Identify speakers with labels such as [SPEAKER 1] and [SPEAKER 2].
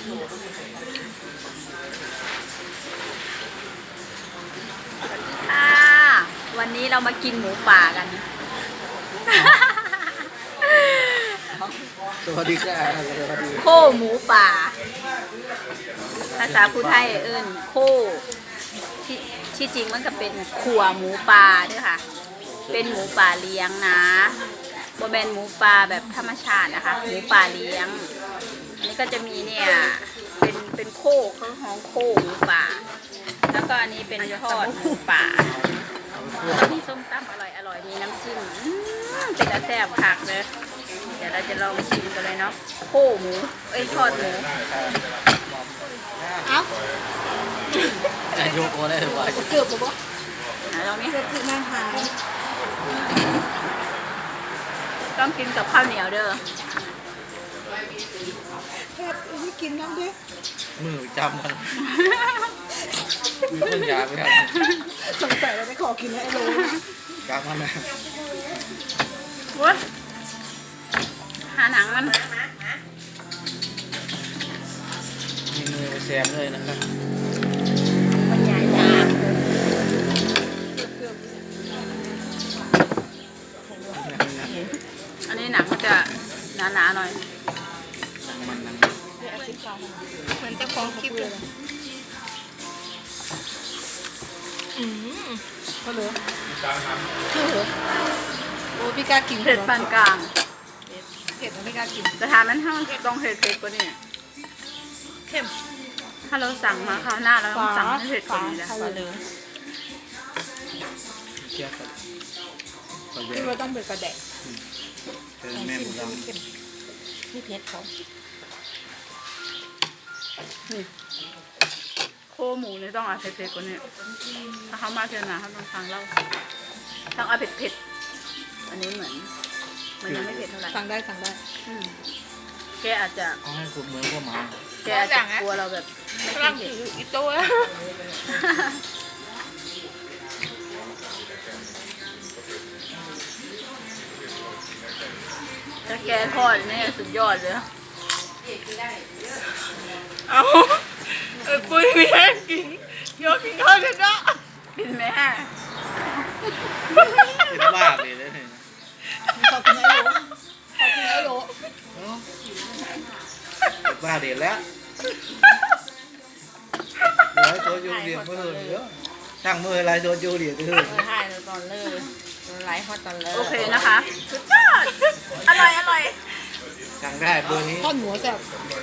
[SPEAKER 1] ค่ะวันนี้เรามากินหมูป่ากัน
[SPEAKER 2] สวัสดีค่ะสวัสดี
[SPEAKER 1] โคหมูป่า ภาษาพูไทยเอิ้นโคที่จริงมันก็เป็นขัวหมูป่าด้วยค่ะ เป็นหมูป่าเลี้ยงนะบ่แม่นหมูป่าแบบธรรมชาตินะคะ หมูป่าเลี้ยง อันนี้ก็จะมีเนี่ยเป็นโคเขาห้องโคหมูป่า แล้วก็อันนี้เป็นทอดหมูป่ามีส้มตำอร่อยมีน้ำจิ้มเป็นตาแซ่บผักเลยเดี๋ยวเราจะลองชิมกันเลยเนาะโคหมูทอดหมูเอ้า
[SPEAKER 2] จะโยกโอได้หรือว่า
[SPEAKER 3] เกือบบ่
[SPEAKER 1] ลองนี่
[SPEAKER 3] เกือบถึงนางหาย
[SPEAKER 1] ต้องกินกับข้าวเหนียวเด้อ
[SPEAKER 3] แทบไม่กินน้ำด้วย
[SPEAKER 2] มือจำมันมีคนอยากไหมครับ
[SPEAKER 3] สงสัยเราได้ขอกินแล้วไอ้โล
[SPEAKER 2] จำมันนะ
[SPEAKER 1] โว้ยหาหนังมัน
[SPEAKER 2] มีมือแซมเลยนะครับ
[SPEAKER 1] มันใหญ่ยาก
[SPEAKER 3] เกือบ
[SPEAKER 1] อันนี้หนังมันจะหนาๆหน่อย
[SPEAKER 2] มันนั่น
[SPEAKER 1] เหมือนเจ้าของคลิปเลย
[SPEAKER 3] เขาเหลือคือเหรอโอ้พี่กล้ากิน
[SPEAKER 1] เผ็ดปานกลาง
[SPEAKER 3] เผ็ดไม่กล้ากิน
[SPEAKER 1] แต่ทานนั้นถ้ามันต้องเผ็ดกว่านี้
[SPEAKER 3] เข้ม
[SPEAKER 1] ถ้าเราสั่งมาคราวหน้าเราต้องสั่งให้เผ็ดกว่านี้นะ
[SPEAKER 3] เหลือ
[SPEAKER 2] เชี่ยครับขอแย
[SPEAKER 3] พี่
[SPEAKER 2] ก
[SPEAKER 3] ว่าต้องเป็นกระแดก
[SPEAKER 2] เป็นแม่หมูดำ
[SPEAKER 3] เข้มนี่เผ็ดเขา
[SPEAKER 1] นี่โคหมูเนี่ยต้องเอาเผ็ดกว่านี้ถ้าเขามาเทียนนะเขาต้องฟังเล่าต้องเอาเผ็ดอันนี้เหมือนยังไม่เผ็ดเท่าไหร่
[SPEAKER 3] สั่งได้สั่งได้
[SPEAKER 1] อืมแกอาจจะ
[SPEAKER 2] เขาให้คุณเหมือนพวกหมา
[SPEAKER 1] แกอาจจะกลัวเราแบบไม่กินเผ็ด
[SPEAKER 3] อีโต้
[SPEAKER 1] ถ้าแกทอดเนี่ยสุดยอดเลย
[SPEAKER 3] เอาปุ้ยไม่ได้กินยกกินข้าวกันเนาะ
[SPEAKER 1] กินไหม
[SPEAKER 2] เป็นบ้าเลยเลยเนี่ย
[SPEAKER 3] ขอบคุณไอ้โลขอบคุณไอ้โล
[SPEAKER 2] เป็นบ้าเด็ดแล้วเดี๋ยวให้ตัวยูเรียนเมื่อเยอะช่างมืออะไรตัวยูเรียนเถอะ
[SPEAKER 3] ถ่ายตอนเลยไลฟ์ฮอตตอนเลย
[SPEAKER 1] โอเคนะคะสุดยอดอร่อย
[SPEAKER 2] สั่งได้เบอร์นี้
[SPEAKER 3] ทอดหมูแซ่บ